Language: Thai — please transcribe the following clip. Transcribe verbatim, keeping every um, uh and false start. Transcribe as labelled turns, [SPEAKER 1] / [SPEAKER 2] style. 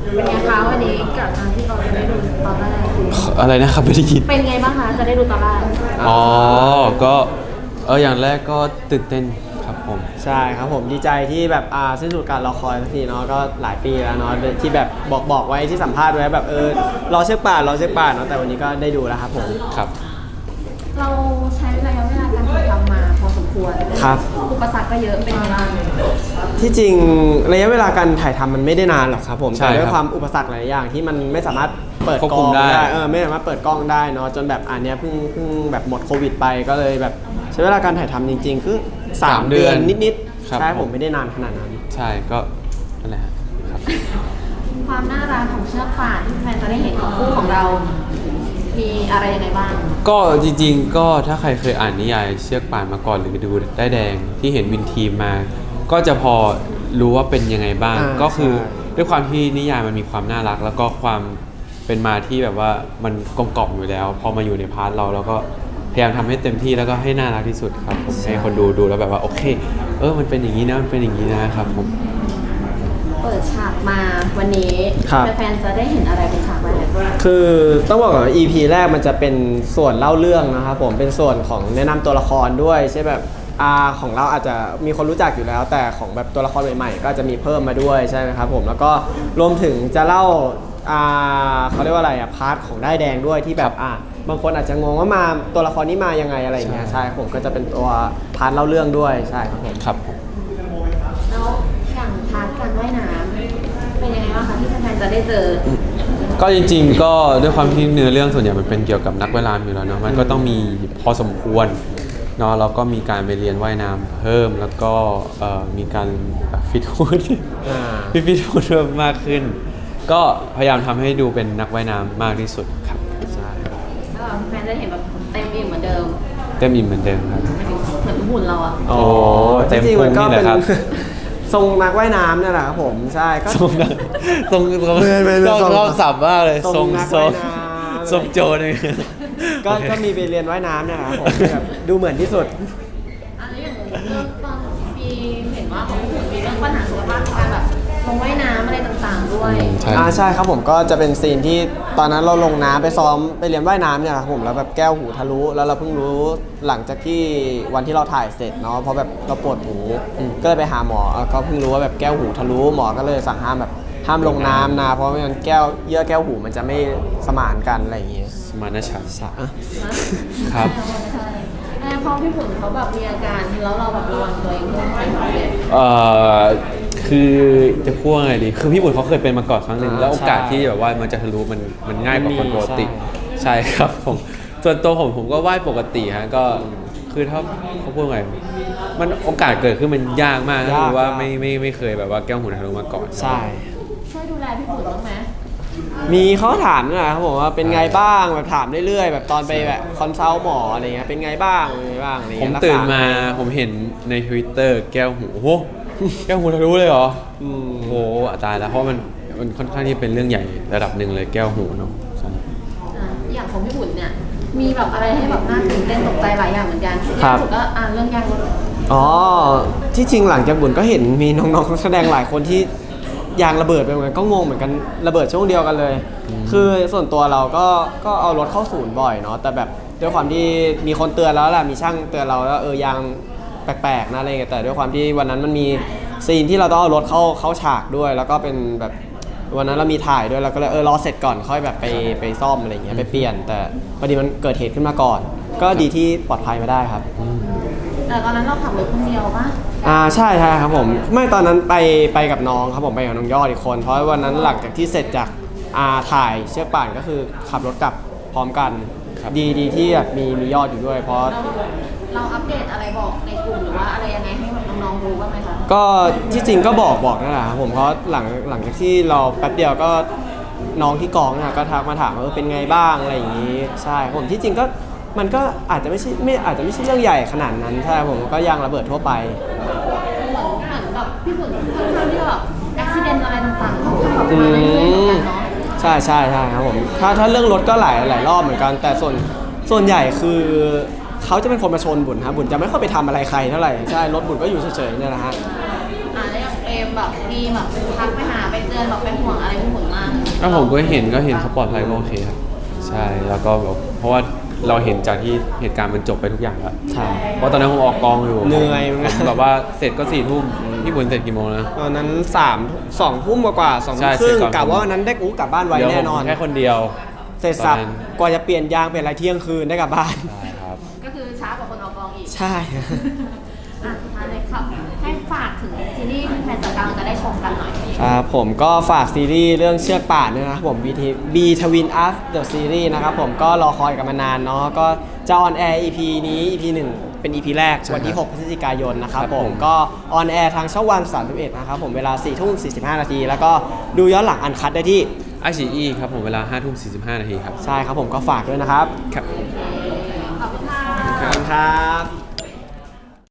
[SPEAKER 1] เป็นไงคะวันนี้กับการที่เราจะได้ดูตอนแรก
[SPEAKER 2] อะไรนะครับไม่ได้ยิน
[SPEAKER 1] เป็นไงบ้างคะจะได้ดูตอนแรก
[SPEAKER 2] อ๋อก็เอออย่างแรกก็ตื่นเต้นครับผม
[SPEAKER 3] ใช่ครับผมดีใจที่แบบอ่าสิ้นสุดการรอคอยสักทีเนาะก็หลายปีแล้วเนาะที่แบบบอกบอกไว้ที่สัมภาษณ์ไว้แบบเออรอเชือกป่านรอเชือกป่านเนาะแต่วันนี้ก็ได้ดูแล้วครับผม
[SPEAKER 2] ครับ
[SPEAKER 1] เราใช้ระยะเวลาการถ่ายทำมาพอสมควร
[SPEAKER 3] ครับ
[SPEAKER 1] อุปสรรคก็เยอะเป็นไงบ้าง
[SPEAKER 3] ที่จริงระยะเวลาการถ่ายทำมันไม่ได้นานหรอกครับผมแต่ด้วยความอุปสรรคหลายอย่างที่มันไม่สามารถเปิดกล้องได้เออไม่สามารถเปิดกล้องได้เนาะจนแบบอันเนี้ยเพิ่งเพิ่งแบบหมดโควิดไปก็เลยแบบใช้เวลาการถ่ายทำจริงๆคือสามเดือนนิดๆใช่ผมไม่ได้นานขนาดนั้น
[SPEAKER 2] ใช่ก็นั่นแหละครับ
[SPEAKER 1] ความน่ารักของเชือกป่านที่แฟนจะได้เห็นของคู่ของเรามีอะไรยังไงบ้าง
[SPEAKER 2] ก็จริงๆก็ถ้าใครเคยอ่านนิยายเชือกป่านมาก่อนหรือดูได้แดงที่เห็นวินทีมมาก็จะพอรู้ว่าเป็นยังไงบ้างก็คือด้วยความที่นิยายมันมีความน่ารักแล้วก็ความเป็นมาที่แบบว่ามันกลมกล่อมอยู่แล้วพอมาอยู่ในพาร์ทเราแล้วก็พยายามทำให้เต็มที่แล้วก็ให้น่ารักที่สุดครับผมให้คนดูดูแล้วแบบว่าโอเคเออมันเป็นอย่างนี้นะมันเป็นอย่างนี้นะครับผม
[SPEAKER 1] เปิดฉากมาวันนี้แฟนๆจะได้เห็นอะไรเป็นฉากแรก
[SPEAKER 3] คือต้องบอกก่อนว่า อี พี แรกมันจะเป็นส่วนเล่าเรื่องนะครับผมเป็นส่วนของแนะนำตัวละครด้วยใช่แบบอาของเราอาจจะมีคนรู้จักอยู่แล้วแต่ของแบบตัวละครใหม่ๆก็จะมีเพิ่มมาด้วยใช่ไหมครับผมแล้วก็รวมถึงจะเล่าอ่าเขาเรียกว่าอะไรอะพาร์ทของได้แดงด้วยที่แบบอ่าบางคนอาจจะงงว่ามาตัวละครนี้มายังไงอะไรอย่างเงี้ยใช่ผมก็จะเป็นตัวพาร์ทเล่าเรื่องด้วยใช่ครับผม
[SPEAKER 2] ครับ
[SPEAKER 1] แล้วอย่างพาร์ทการว่ายน้ำเป็นยังไงบ้างคะที่แฟนๆจะได้เจอ
[SPEAKER 2] ก็จริงๆก็ด้วยความที่เนื้อเรื่องส่วนใหญ่มันเป็นเกี่ยวกับนักว่ายน้ำอยู่แล้วเนาะมันก็ต้องมีพอสมควรเนาะแล้วก็มีการไปเรียนว่ายน้ำเพิ่มแล้วก็มีการฟิตหุ่นฟิตฟิตหุ่นเพิ่มมากขึ้นก็พยายามทำให้ดูเป็นนักว่ายน้ำมากที่สุดครับ
[SPEAKER 1] ใช่ก็แฟนจะเห็นแบบเต็มอิ่มเหมือนเดิม
[SPEAKER 2] เต็มอิ่มเหมือนเดิมครับ
[SPEAKER 1] เหมือนหุ่นเราอะ
[SPEAKER 2] โอ้เต็มพุงนี่แหละครับ
[SPEAKER 3] ทรงนักว่ายน้ำเนี่ยแหละครับผมใช่ก็
[SPEAKER 2] ทรงนักทรงทรงรอบสับมากเลยทรงทรงทรงโจเลย
[SPEAKER 3] ก็ก็มีไปเรียนว่ายน้ำเนี่ยแหละครับผมแบบดูเหมือนที่สุด
[SPEAKER 1] อันนี้อย่างเรื่องตอนมีเห็นว่าเขามีเรื่องปัญหาสุขภาพการแบบลงว่ายน้ำอะไรต่างๆด้วย
[SPEAKER 3] อ่าใช่ครับผมก็จะเป็นซีนที่ตอนนั้นเราลงน้ำไปซ้อมไปเรียนว่ายน้ำเนี่ยครับผมแล้วแบบแก้วหูทะลุแล้วเราเพิ่งรู้หลังจากที่วันที่เราถ่ายเสร็จเนาะเพราะแบบเราปวดหูก็เลยไปหาหมอก็เพิ่งรู้ว่าแบบแก้วหูทะลุหมอก็เลยสั่งห้ามแบบห้ามลงน้ำนะเพราะไม่งั้นแก้วเยื่อแก้วหูมันจะไม่สมานกันอะไรอย่างเงี้ย
[SPEAKER 2] สมานฉันท์
[SPEAKER 1] ครับพอพี่ผุ่นเขาแบบมีอาการแล้วเราแบบระวังตัวเองด้วยไหม
[SPEAKER 2] เอ่อคือจะพูดไงดีคือพี่บุญเขาเคยเป็นมาก่อนครั้งหนึ่งแล้วโอกาสที่แบบว่ามันจะทะลุมันมันง่ายกว่าคนปกติใช่ครับผมส่วนตัวผมผมก็ว่ายปกติฮะก็คือถ้าเขาพูดไงมันโอกาสเกิดขึ้นมันยากมากคือว่าไม่ไม่ไม่เคยแบบว่าแก้วหูทะลุมาก่อน
[SPEAKER 3] ใช่
[SPEAKER 1] ช่วยดูแลพี่บุญบ้างไหม
[SPEAKER 3] มีเขาถามนะครับผมว่าเป็นไงบ้างแบบถามเรื่อยๆแบบตอนไปแบบคอนซัลท์หมออะไรเงี้ยเป็นไงบ้างเป็นไงบ้างอะไรเงี้
[SPEAKER 2] ยผมตื่นมาผมเห็นใน Twitter แก้วหูโอ้แก้วหูทะลุเลยเหรออืมโหตายแล้วเพราะมันมันค่อนข้างที่เป็นเรื่องใหญ่ระดับหนึ่งเลยแก้วหูเนาะ
[SPEAKER 1] อย่างของพี่บุญเนี่ยมีแบบอะไรให้แบบน่าตื่นเต้นตกใจหลายอย่างเหมือนกัน
[SPEAKER 3] ค
[SPEAKER 1] รับก็อ่านเรื่องยางรถ
[SPEAKER 3] อ๋อที่จริงหลังจากบุญก็เห็นมีน้องๆแสดงหลายคนที่ยางระเบิดไปเหมือนกันก็งงเหมือนกันระเบิดช่วงเดียวกันเลยคือส่วนตัวเราก็ก็เอารถเข้าศูนย์บ่อยเนาะแต่แบบด้วยความที่มีคนเตือนแล้วแหละมีช่างเตือนเราแล้วเออยางแปลกๆนะอะไรเงี้ยแต่ด้วยความที่วันนั้นมันมีซีนที่เราต้องเอารถเข้าเข้าฉากด้วยแล้วก็เป็นแบบวันนั้นเรามีถ่ายด้วยเราก็เลยเออรอเสร็จก่อนค่อยแบบไปไปซ่อมอะไรเงี้ยไปเปลี่ยนแต่พอดีมันเกิดเหตุขึ้นมาก่อนก็ดีที่ปลอดภัยมาได้ครับ
[SPEAKER 1] แต่ตอนนั้นเราขับรถคนเดียวปะ
[SPEAKER 3] อ่าใช่ใช่ครับผมไม่ตอนนั้นไปไปกับน้องครับผมไปกับน้องยอดอีกคนเพราะวันนั้นหลังจากที่เสร็จจากอ่าถ่ายเชือกป่านก็คือขับรถกลับพร้อมกันดีดีที่แบบมีมียอดอยู่ด้วยเพราะ
[SPEAKER 1] เราอัปเดตอะไรบอกในกลุ่มหรือว่าอะไรยังไงให้น้องๆรู้บ้างไหมคะ
[SPEAKER 3] ก็ที่จริงก็บอกบอกนั่นแหละครับผมเพราะหลังหลังจากที่เราแป๊บเดียวก็น้องที่กองนะก็ทักมาถามว่าเป็นไงบ้างอะไรอย่างนี้ใช่ผมที่จริงก็มันก็อาจจะไม่ใช่ไม่อาจจะไม่ใช่เรื่องใหญ่ขนาดนั้นใช่ผมก็ยางระเบิดทั่วไป
[SPEAKER 1] เหมือนเหมือนแบบพี่บุญค่อนข้างที่แบบอุบิเหตุอะไรต่างๆเขาขับมาเรื่อยๆเหมือนกันเนาะ
[SPEAKER 3] ใช่ใช่ใช่ครับผมถ้าถ้าเรื่องรถก็หลายหลายรอบเหมือนกันแต่ส่วนส่วนใหญ่คือเขาจะเป็นคนมาชนบุญครับบุญจะไม่ค่อยไปทำอะไรใครเท่าไหร่ใช่รถบุญก็อยู่เฉยๆเนี่ยแหละฮะ
[SPEAKER 1] อ่าแล้วอย่างเปรมแบบมีแบบทักไปหาไปเตือนแบบเป็นห่วงอะไรเป็นห่วงมาก
[SPEAKER 2] ถ้าผมก็เห็นก็เห็นเขาปลอดภัยก็โอเคครับใช่แล้วก็แบบเพราะว่าเราเห็นจากที่เหตุการณ์มันจบไปทุกอย่างแล้ว
[SPEAKER 3] ใช่
[SPEAKER 2] เพราะตอนนั้นผมออกกองอยู่
[SPEAKER 3] เหนื่อยเหมือนกัน
[SPEAKER 2] ผมแบบว่าเสร็จก็สี่ทุ่มพี่บุญเสร็จกี่โมงนะ
[SPEAKER 3] ตอนนั้นสามสองทุ่มกว่าๆสอง
[SPEAKER 2] ใช่
[SPEAKER 3] ทุ่มครึ่ง
[SPEAKER 2] เสร็จก่อน
[SPEAKER 3] กะว่าวันนั้นได้อู้กลับบ้านไว
[SPEAKER 2] เดี๋ยว
[SPEAKER 3] แน่น
[SPEAKER 2] ผ
[SPEAKER 3] อน
[SPEAKER 2] มแค่คนเดียว
[SPEAKER 3] เสร็จสับ
[SPEAKER 2] ตอนนั้น
[SPEAKER 3] กว่าจะเปลี่ยนยางเปลี่ยนอะไรเที่ยงคืนได้กลับบ้าน
[SPEAKER 2] ใช่ครับ
[SPEAKER 1] ก็คือช้ากว่าคนออกกองอีก
[SPEAKER 3] ใช่
[SPEAKER 1] อ่ะสุดท้ายเลยครับให้ฝากถึงซีรีส์แฟนๆกลางจะได้ชมกันหน่อย
[SPEAKER 3] ครับผมก็ฝากซีรีส์เรื่องเชือกป่านด้วยนะครับผม บี ที B Twin Us The Series นะครับผมก็รอคอยกันมานานเนาะก็จะออนแอร์ อี พี นี้ อี พี หนึ่งเป็น อี พี แรก
[SPEAKER 2] ใช่
[SPEAKER 3] วันที่
[SPEAKER 2] ครับ
[SPEAKER 3] หกพฤศจิกายนนะครับ
[SPEAKER 2] ครับ
[SPEAKER 3] ผ
[SPEAKER 2] ผม ม
[SPEAKER 3] ก็ออนแอร์ทางช่องวันสามสิบเอ็ดนะครับผมเวลาสี่ทุ่มสี่สิบห้านาที แล้วก็ดูย้อนหลังอันคัดได้ที่
[SPEAKER 2] ไอซีอีครับผมเวลาห้าทุ่มสี่สิบห้านาทีครับ
[SPEAKER 3] ใช่ครับผมก็ฝากด้วยนะครับ
[SPEAKER 2] ครับ
[SPEAKER 1] ขอบคุณค่ะ
[SPEAKER 3] ขอบคุณครับ